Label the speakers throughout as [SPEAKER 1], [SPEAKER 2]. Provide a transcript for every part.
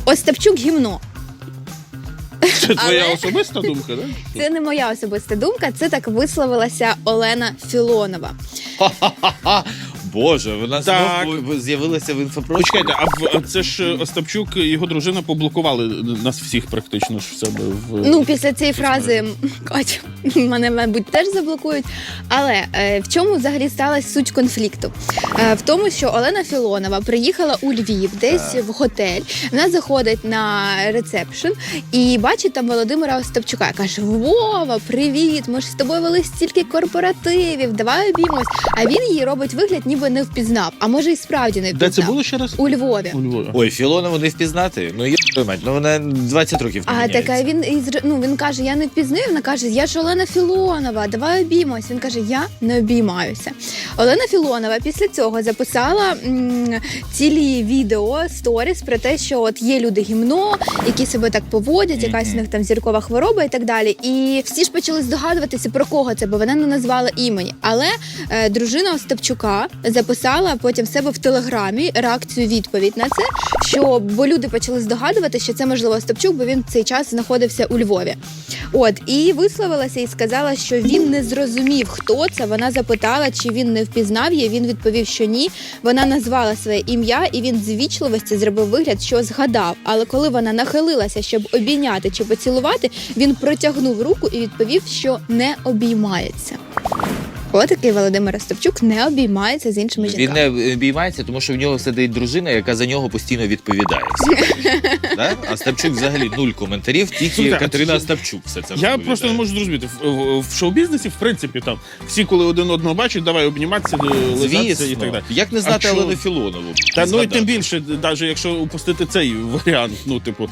[SPEAKER 1] Остапчук гімно.
[SPEAKER 2] Це твоя особиста думка, так?
[SPEAKER 1] Це не моя особиста думка, це так висловилася Олена Філонова.
[SPEAKER 3] Боже, вона
[SPEAKER 2] Так.
[SPEAKER 3] знову з'явилася в інфопросторі.
[SPEAKER 2] Почекайте, а це ж Остапчук і його дружина поблокували нас всіх практично ж в себе в...
[SPEAKER 1] Ну, після цієї фрази, Катя, мене, мабуть, теж заблокують. Але в чому взагалі сталася суть конфлікту? В тому, що Олена Філонова приїхала у Львів, десь в готель. Вона заходить на ресепшн і бачить там Володимира Остапчука. Каже: Вова, привіт, ми ж з тобою вели стільки корпоративів, давай обіймось. А він її робить вигляд, ніби не впізнав. А може і справді не впізнав.
[SPEAKER 2] Де це було ще раз?
[SPEAKER 1] У Львові.
[SPEAKER 2] У Львові.
[SPEAKER 3] Ой, Філонову не впізнати? Ну, мать, ну вона 20 років не
[SPEAKER 1] А
[SPEAKER 3] міняється.
[SPEAKER 1] така він каже: я не впізнаю. Вона каже: я ж Олена Філонова, давай обіймось. Він каже: я не обіймаюся. Олена Філонова після цього записала цілі відео, сторіс про те, що от є люди гімно, які себе так поводять, якась у них там зіркова хвороба і так далі. І всі ж почали здогадуватися, про кого це, бо вона не назвала імені. Але дружина Остапчука записала потім в себе в Телеграмі реакцію-відповідь на це, що бо люди почали здогадувати, що це можливо Остапчук, бо він в цей час знаходився у Львові. От, і висловилася і сказала, що він не зрозумів, хто це. Вона запитала, чи він не впізнав її. Він відповів, що ні. Вона назвала своє ім'я, і він з ввічливості зробив вигляд, що згадав. Але коли вона нахилилася, щоб обійняти чи поцілувати, він протягнув руку і відповів, що не обіймається. Отакий Володимир Остапчук не обіймається з іншими
[SPEAKER 3] Він
[SPEAKER 1] жінками.
[SPEAKER 3] не обіймається, тому що в нього сидить дружина, яка за нього постійно відповідає. Да? А Остапчук взагалі нуль коментарів, тільки
[SPEAKER 2] Слухайте, а
[SPEAKER 3] Катерина
[SPEAKER 2] це-
[SPEAKER 3] Остапчук все це
[SPEAKER 2] Я
[SPEAKER 3] розповідає.
[SPEAKER 2] просто не можу зрозуміти. В шоу-бізнесі, в принципі, там всі, коли один одного бачать, давай обніматися, лизатися і так далі.
[SPEAKER 3] Як не знати
[SPEAKER 2] А що?
[SPEAKER 3] Олену Філонову?
[SPEAKER 2] Та ну і
[SPEAKER 3] Згадати.
[SPEAKER 2] тим більше, навіть якщо упустити цей варіант, ну, типу,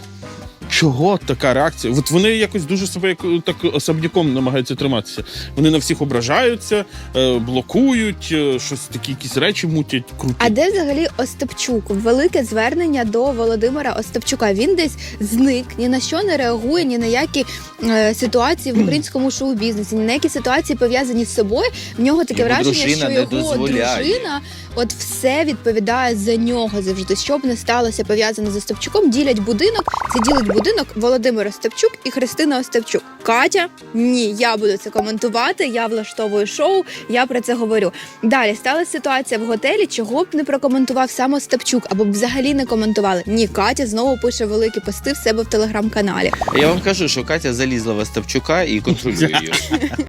[SPEAKER 2] чого така реакція? От вони якось дуже себе так особняком намагаються триматися. Вони на всіх ображаються, блокують, щось такі якісь речі мутять, круті.
[SPEAKER 1] А де взагалі Остапчук? Велике звернення до Володимира Остапчука. Він десь зник, ні на що не реагує, ні на які ситуації в українському шоу-бізнесі, ні на які ситуації пов'язані з собою. В нього таке
[SPEAKER 3] Його
[SPEAKER 1] враження,
[SPEAKER 3] дружина
[SPEAKER 1] що
[SPEAKER 3] не
[SPEAKER 1] його
[SPEAKER 3] дозволяє.
[SPEAKER 1] дружина от все відповідає за нього завжди. Що б не сталося пов'язане з Остапчуком, ділять будинок. Це ділить будинок Володимир Остапчук і Христина Остапчук. Катя, ні, я буду це коментувати, я влаштовую шоу, я про це говорю. Далі сталася ситуація в готелі, чого б не прокоментував сам Остапчук, або б взагалі не коментували. Ні, Катя знову пише великі пости в себе в телеграм-каналі.
[SPEAKER 3] Я вам кажу, що Катя залізла в Остапчука і контролює його.